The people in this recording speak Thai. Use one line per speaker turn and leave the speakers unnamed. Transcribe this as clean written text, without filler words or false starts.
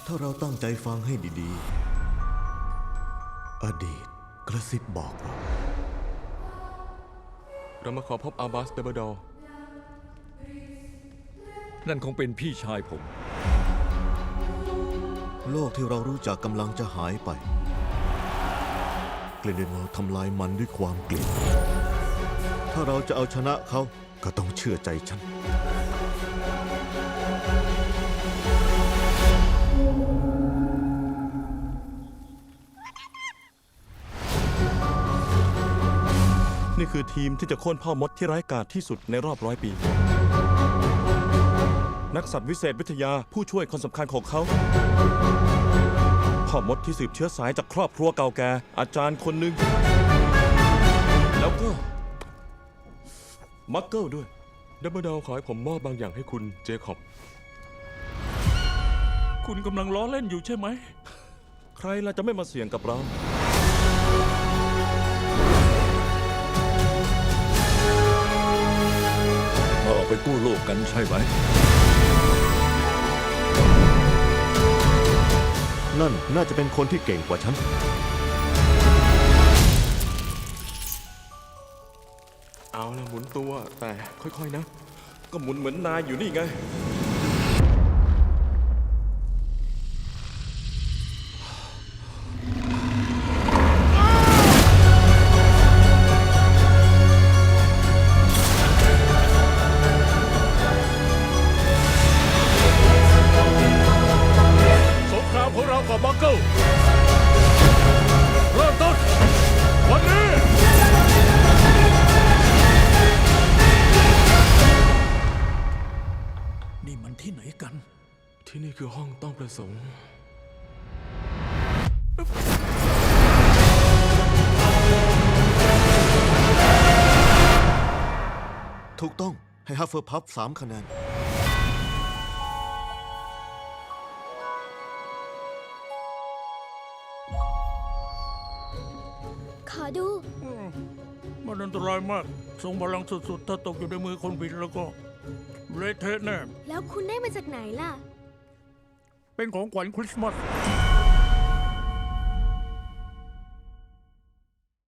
ถ้าเราตั้งใจฟังให้ดีๆ อดีตกระซิบบอกเรา
มาขอพบอาบาสเดเบอร์ดอร์
นั่นคงเป็นพี่ชายผม
โลกที่เรารู้จักกำลังจะหายไปกลินเดนวอลทำลายมันด้วยความเกลียดถ้าเราจะเอาชนะเขาก็ต้องเชื่อใจฉัน
นี่คือทีมที่จะโค่นพ่อมดที่ร้ายกาจที่สุดในรอบ100 ปีนักสัตว์วิเศษวิทยาผู้ช่วยคนสำคัญของเขาพ่อมดที่สืบเชื้อสายจากครอบครัวเก่าแก่อาจารย์คนหนึ่งแล้วก็มักเกิลด้วยดับเบิลดาวขอให้ผมมอบบางอย่างให้คุณเจคอบ
คุณกำลังล้อเล่นอยู่ใช่ไหม
ใครล่ะจะไม่มาเสี่ยงกับเรา
เราออกไปกู้โลกกันใช่ไหม
นั่นน่าจะเป็นคนที่เก่งกว่าฉัน
เอาละหมุนตัวแต่ค่อยๆนะก็หมุนเหมือนนายอยู่นี่ไง
สงครามของเรากับมังเกิลเริ่มต้นวันนี้นี่มันที่ไหนกัน
ที่นี่คือห้องต้องประสงค์
ถูกต้องให้ฮัฟเฟิลพัฟ3 คะแนน
ขอดู
มันอันตรายมากทรงพลังสุดๆถ้าตกอยู่ในมือคนผิดแล้วก็เละเทะแน่
แล้วคุณได้มาจากไหนล่ะ
เป็นของขวัญคริสต์มาส